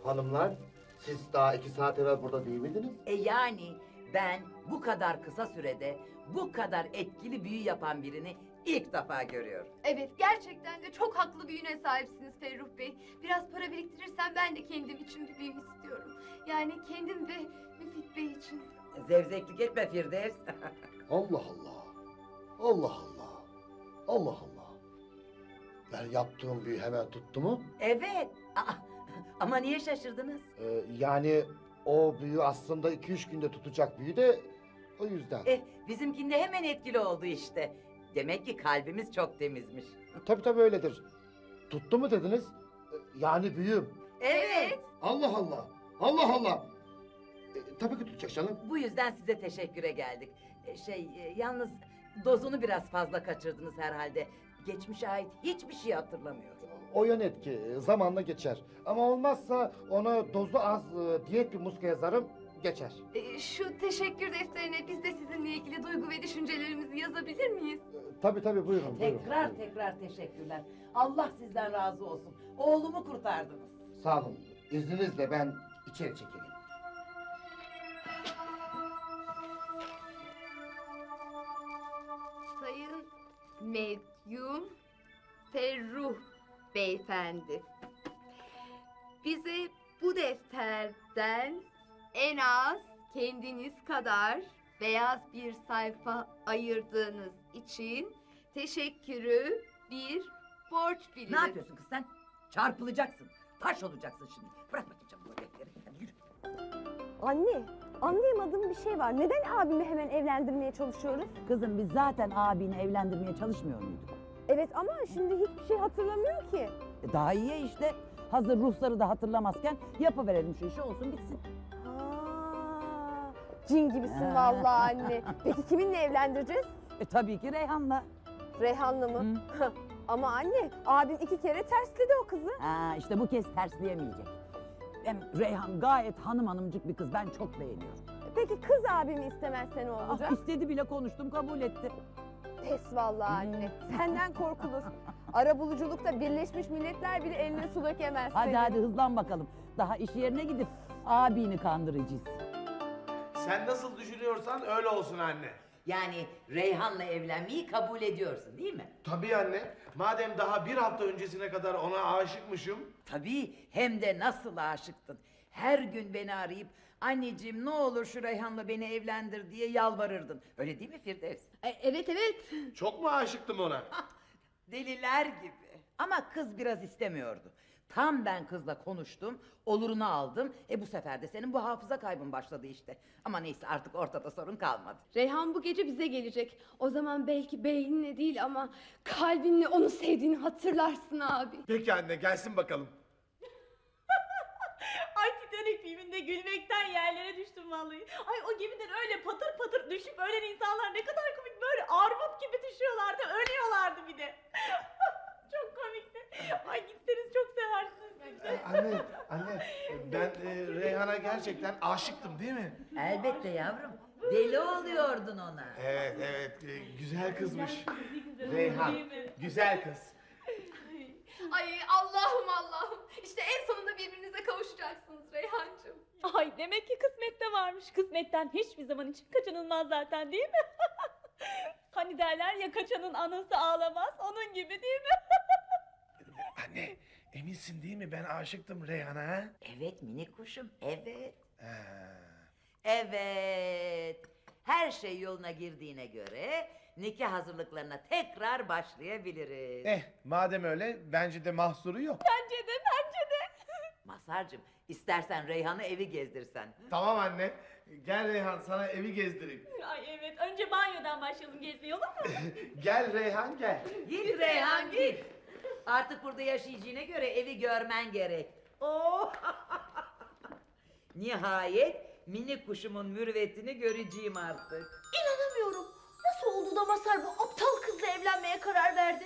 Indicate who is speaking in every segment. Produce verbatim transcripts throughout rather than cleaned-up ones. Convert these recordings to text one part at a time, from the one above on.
Speaker 1: Hanımlar, siz daha iki saat evvel burada değil miydiniz?
Speaker 2: E yani ben bu kadar kısa sürede bu kadar etkili büyü yapan birini ilk defa görüyorum.
Speaker 3: Evet, gerçekten de çok haklı bir yüne sahipsiniz Ferruh Bey. Biraz para biriktirirsem ben de kendim için bir büyü istiyorum. Yani kendim ve Müfit Bey için.
Speaker 2: Zevzeklik etme Firdevs.
Speaker 1: Allah Allah. Allah Allah. Allah Allah. Ben yaptığım büyü hemen tuttu mu?
Speaker 2: Evet. Aa, ama niye şaşırdınız?
Speaker 1: Ee, yani o büyü aslında iki üç günde tutacak büyü de o yüzden.
Speaker 2: Eh, bizimkinde hemen etkili oldu işte. Demek ki kalbimiz çok temizmiş.
Speaker 1: Tabii tabii öyledir. Tuttu mu dediniz? Ee, Yani büyüm.
Speaker 2: Evet.
Speaker 1: Allah Allah. Allah Allah. Ee, tabii ki tutacak canım.
Speaker 2: Bu yüzden size teşekküre geldik. E, Şey, e, yalnız dozunu biraz fazla kaçırdınız herhalde. Geçmişe ait hiçbir şey hatırlamıyorum.
Speaker 1: O yan etki e, zamanla geçer. Ama olmazsa ona dozu az e, diyet bir muska yazarım, geçer.
Speaker 3: Ee, şu teşekkür defterine biz de sizinle ilgili duygu ve düşüncelerimizi yazabilir miyiz?
Speaker 1: Ee, Tabii tabii buyurun. buyurun.
Speaker 2: Tekrar tekrar teşekkürler. Allah sizden razı olsun. Oğlumu kurtardınız.
Speaker 1: Sağ olun. İzninizle ben içeri çekileyim.
Speaker 3: Sayın Medyum Ferruh Beyefendi. Bize bu defterden en az kendiniz kadar beyaz bir sayfa ayırdığınız için teşekkürü bir borç biliriz.
Speaker 2: Ne yapıyorsun kız sen? Çarpılacaksın. Taş olacaksın şimdi. Bırak bakayım canım bu defteri. Hadi yürü.
Speaker 4: Anne, anlayamadığım bir şey var. Neden abimi hemen evlendirmeye çalışıyoruz?
Speaker 5: Kızım biz zaten abini evlendirmeye çalışmıyor muyduk?
Speaker 4: Evet ama şimdi hiçbir şey hatırlamıyor ki.
Speaker 5: E daha iyi ya işte. Hazır ruhsarı da hatırlamazken yapıverelim şu işi olsun bitsin.
Speaker 4: Ha, cin gibisin
Speaker 5: Ha.
Speaker 4: vallahi anne. Peki kiminle evlendireceğiz?
Speaker 5: E tabii ki Reyhan'la.
Speaker 4: Reyhan'la mı? Ama anne, abim iki kere tersledi o kızı.
Speaker 5: Ha işte bu kez tersleyemeyecek. Hem Reyhan gayet hanım hanımcık bir kız, ben çok beğeniyorum.
Speaker 4: Peki kız abimi istemezse ne olacak?
Speaker 5: Ah, istedi bile, konuştum, kabul etti.
Speaker 4: Pes vallahi anne. Senden korkulur. Arabuluculukta Birleşmiş Milletler bile eline su dökemez
Speaker 5: Hadi
Speaker 4: senin.
Speaker 5: hadi hızlan bakalım. Daha iş yerine gidip abini kandıracağız.
Speaker 6: Sen nasıl düşünüyorsan öyle olsun anne.
Speaker 2: Yani Reyhan'la evlenmeyi kabul ediyorsun değil mi?
Speaker 6: Tabii anne. Madem daha bir hafta öncesine kadar ona aşıkmışım.
Speaker 2: Tabii, hem de nasıl aşıktın. Her gün beni arayıp anneciğim ne olur şu Reyhan'la beni evlendir diye yalvarırdın. Öyle değil mi Firdevs?
Speaker 3: E, evet evet.
Speaker 6: Çok mu aşıktım ona?
Speaker 2: Deliler gibi. Ama kız biraz istemiyordu. Tam ben kızla konuştum, olurunu aldım. E bu sefer de senin bu hafıza kaybın başladı işte. Ama neyse artık ortada sorun kalmadı.
Speaker 3: Reyhan bu gece bize gelecek. O zaman belki beyninle değil ama kalbinle onu sevdiğini hatırlarsın abi.
Speaker 6: Peki anne gelsin bakalım.
Speaker 7: Ay Titanic filminde gülmekten yerlere düştüm vallahi. Ay o gemiden öyle patır patır düşüp ölen insanlar ne kadar komik, böyle armut gibi düşüyorlardı, ölüyorlardı bir de. Çok komikti. Ay gitseniz çok seversiniz siz de.
Speaker 6: Anne, anne ben e, Reyhan'a gerçekten aşıktım değil mi?
Speaker 2: Elbette yavrum. Deli oluyordun ona.
Speaker 6: Evet, evet. e, güzel kızmış.
Speaker 7: Güzel
Speaker 6: Reyhan,
Speaker 7: değil mi?
Speaker 6: güzel kız.
Speaker 3: Ay Allah'ım Allah'ım. İşte en sonunda birbirinize kavuşacaksınız Reyhancığım.
Speaker 7: Ay demek ki kısmette varmış. Kısmetten hiçbir zaman için kaçınılmaz zaten değil mi? Hani derler ya, kaçanın anası ağlamaz, onun gibi değil mi?
Speaker 6: Anne, eminsin değil mi ben aşıktım Reyhan'a? ha?
Speaker 2: Evet minik kuşum, evet.
Speaker 6: Ha.
Speaker 2: Evet. Her şey yoluna girdiğine göre nikah hazırlıklarına tekrar başlayabiliriz.
Speaker 6: Eh, madem öyle bence de mahsuru yok.
Speaker 7: Bence de, bence de.
Speaker 2: Mazhar'cığım istersen Reyhan'ı evi gezdirsen.
Speaker 6: Tamam anne. Gel Reyhan sana evi gezdireyim.
Speaker 7: Ay evet, önce banyodan başlayalım gezmeye, olur mu?
Speaker 6: Gel Reyhan gel.
Speaker 2: Git Reyhan git. Artık burada yaşayacağına göre evi görmen gerek. Oh! Nihayet minik kuşumun mürüvvetini göreceğim artık.
Speaker 7: İnanamıyorum. Nasıl oldu da Mazhar bu aptal kızla evlenmeye karar verdi?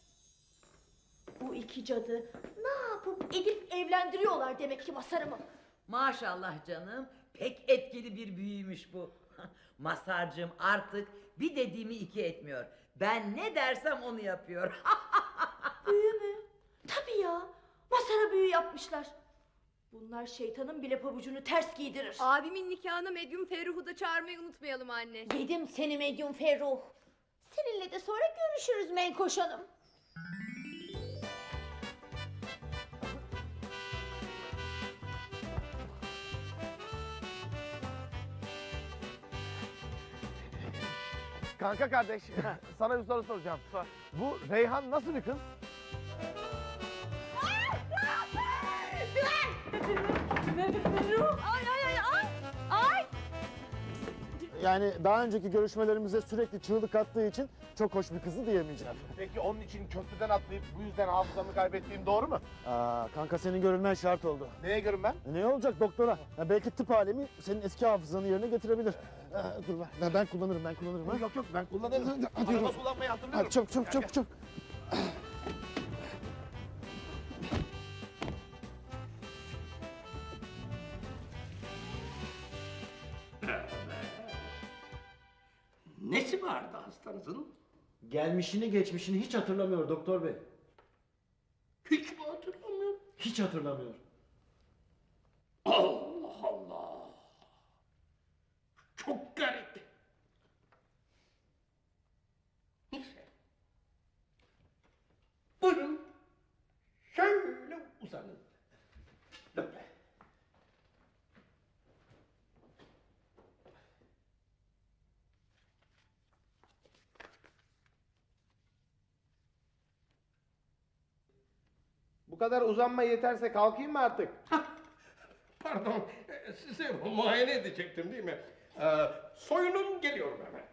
Speaker 7: Bu iki cadı ne yapıp edip evlendiriyorlar demek ki Mazhar'ımı.
Speaker 2: Maşallah canım, pek etkili bir büyüymüş bu. Mazhar'cığım artık bir dediğimi iki etmiyor. Ben ne dersem onu yapıyor.
Speaker 7: Büyü mü? Tabii ya. Mazhar'a büyü yapmışlar. Bunlar şeytanın bile pabucunu ters giydirir.
Speaker 3: Abimin nikahına medyum Ferruh'u da çağırmayı unutmayalım anne.
Speaker 7: Yedim seni medyum Ferruh. Seninle de sonra görüşürüz Menkoş Hanım.
Speaker 6: Kanka kardeş, sana bir soru soracağım. Sor. Bu Reyhan nasıl bir kız?
Speaker 7: Ay ay ay ay. Ay.
Speaker 8: Yani daha önceki görüşmelerimize sürekli çığlık attığı için çok hoş bir kızı diyemeyeceğim.
Speaker 6: Peki onun için köprüden atlayıp bu yüzden hafızamı kaybettiğim doğru mu?
Speaker 8: Aa, kanka senin görülmen şart oldu.
Speaker 6: Neye görün ben?
Speaker 8: E, ne olacak doktora? Ya belki tıp alemi senin eski hafızanı yerine getirebilir. Aa, dur ben, ben kullanırım ben kullanırım. Ha?
Speaker 6: Yok yok ben kullanırım.
Speaker 8: Hadi
Speaker 6: Araba
Speaker 8: yürü.
Speaker 6: kullanmayı hatırlıyorum.
Speaker 8: Hadi çok çok çok çok.
Speaker 9: Nesi vardı hastanızın?
Speaker 8: Gelmişini geçmişini hiç hatırlamıyor doktor bey.
Speaker 9: Hiç mi hatırlamıyorum?
Speaker 8: Hiç hatırlamıyor.
Speaker 9: Allah Allah! Çok garip. Neyse. Buyurun. Şöyle uzanın. Böyle.
Speaker 6: Bu kadar uzanma yeterse kalkayım mı artık?
Speaker 9: Pardon, e, size muayene edecektim değil mi? Ee, soyunun, geliyorum hemen.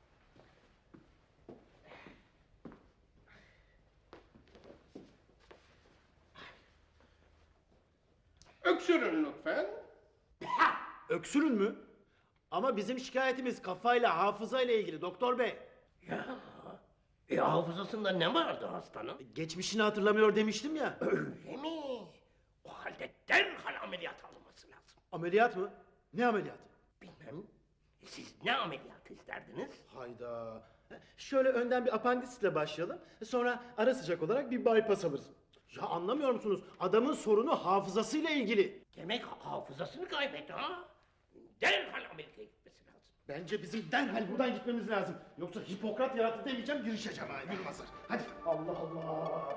Speaker 9: Öksürün lütfen.
Speaker 8: Öksürün mü? Ama bizim şikayetimiz kafayla hafızayla ilgili doktor bey.
Speaker 9: Ya, e, hafızasında ne vardı hastanın?
Speaker 8: Geçmişini hatırlamıyor demiştim ya.
Speaker 9: Öyle mi? O halde derhal ameliyat alınması lazım.
Speaker 8: Ameliyat mı? Ne ameliyatı?
Speaker 9: Bilmem, siz ne ameliyat isterdiniz?
Speaker 8: Hayda. Şöyle önden bir apandisle başlayalım. Sonra ara sıcak olarak bir bypass alırız. Ya anlamıyor musunuz? Adamın sorunu hafızasıyla ilgili.
Speaker 9: Demek hafızasını kaybetti ha? Derhal ameliyata gitmesi lazım.
Speaker 8: Bence bizim derhal buradan gitmemiz lazım. Yoksa Hipokrat yarattı demeyeceğim, girişeceğim ha. Yürü Mazhar. Hadi. Allah Allah.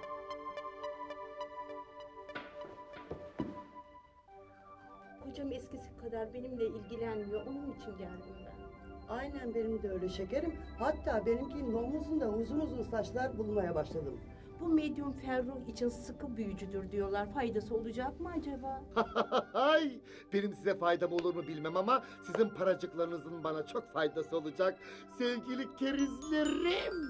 Speaker 10: Hocam eskisi kadar benimle ilgilenmiyor. Onun için geldim ben.
Speaker 11: Aynen benim de öyle şekerim. Hatta benimkinin omuzunda uzun uzun saçlar bulmaya başladım.
Speaker 10: Bu medyum Ferruh için sıkı büyücüdür diyorlar. Faydası olacak mı acaba?
Speaker 1: Ay, benim size faydam olur mu bilmem ama sizin paracıklarınızın bana çok faydası olacak. Sevgili kerizlerim.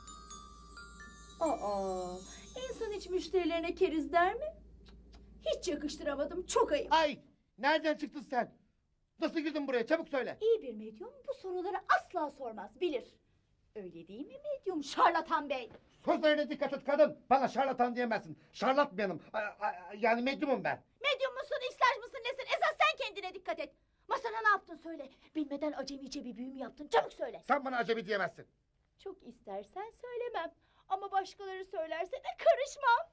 Speaker 10: Aa, insan hiç müşterilerine keriz der mi? Hiç yakıştıramadım. Çok ayıp.
Speaker 1: Ay, nereden çıktın sen? Nasıl girdin buraya? Çabuk söyle.
Speaker 7: İyi bir medyum bu soruları asla sormaz, bilir. Öyle değil mi medyum şarlatan bey?
Speaker 1: Sözlerine dikkat et kadın. Bana şarlatan diyemezsin. Şarlat benim. A- a- Yani medyumum ben.
Speaker 7: Medyum musun, işler mısın, nesin? Esas sen kendine dikkat et. Masana ne yaptın söyle. Bilmeden acemice bir büyü mü yaptın? Çabuk söyle.
Speaker 1: Sen bana acemi diyemezsin.
Speaker 10: Çok istersen söylemem. Ama başkaları söylerse de karışmam.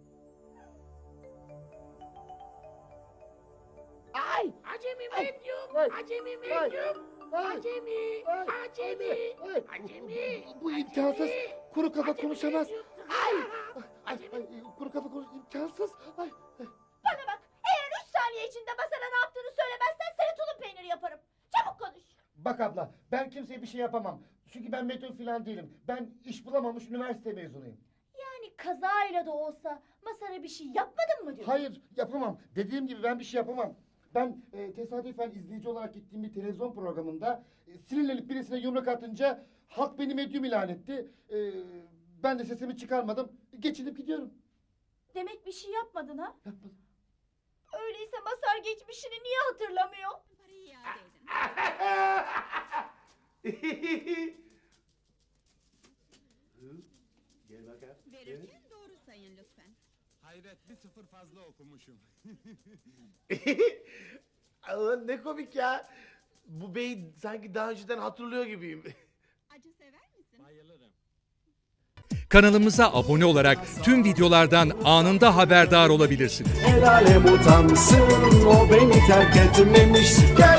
Speaker 1: Ay!
Speaker 9: Acemi medyum,
Speaker 1: Ay,
Speaker 9: acemi
Speaker 1: ay,
Speaker 9: medyum,
Speaker 1: ay,
Speaker 9: acemi,
Speaker 1: ay,
Speaker 9: acemi,
Speaker 1: ay.
Speaker 9: acemi.
Speaker 1: Bu imkansız. Kuru kafa
Speaker 9: Acemi
Speaker 1: konuşamaz.
Speaker 9: medyum.
Speaker 1: Ay! Ay,
Speaker 9: Acemi.
Speaker 1: ay, kuru kafa konuş imkansız. Ay, ay.
Speaker 7: Bana bak, eğer üç saniye içinde masana ne yaptığını söylemezsen seni tulum peyniri yaparım. Çabuk konuş.
Speaker 1: Bak abla, ben kimseye bir şey yapamam. Çünkü ben medyum falan değilim. Ben iş bulamamış üniversite mezunuyum.
Speaker 7: Yani kazayla da olsa masana bir şey yapmadın mı diyorsun?
Speaker 1: Hayır, yapamam. Dediğim gibi ben bir şey yapamam. Ben e, tesadüfen izleyici olarak gittiğim bir televizyon programında e, sinirlenip birisine yumruk atınca halk beni medyum ilan etti. E, ben de sesimi çıkarmadım. Geçinip gidiyorum.
Speaker 7: Demek bir şey yapmadın ha?
Speaker 1: Yapmadım.
Speaker 7: Öyleyse Masar geçmişini niye hatırlamıyor?
Speaker 8: Gel bakalım.
Speaker 12: Verirken doğru sayın lütfen.
Speaker 13: Hayret bir sıfır fazla okumuşum.
Speaker 6: Aa, ne komik ya. Bu beyi sanki daha önceden hatırlıyor gibiyim.
Speaker 12: Acı sever misin?
Speaker 13: Bayılırım.
Speaker 14: Kanalımıza abone olarak tüm videolardan anında haberdar olabilirsiniz.
Speaker 15: El alem utansın, o beni terk etmemiş. Gel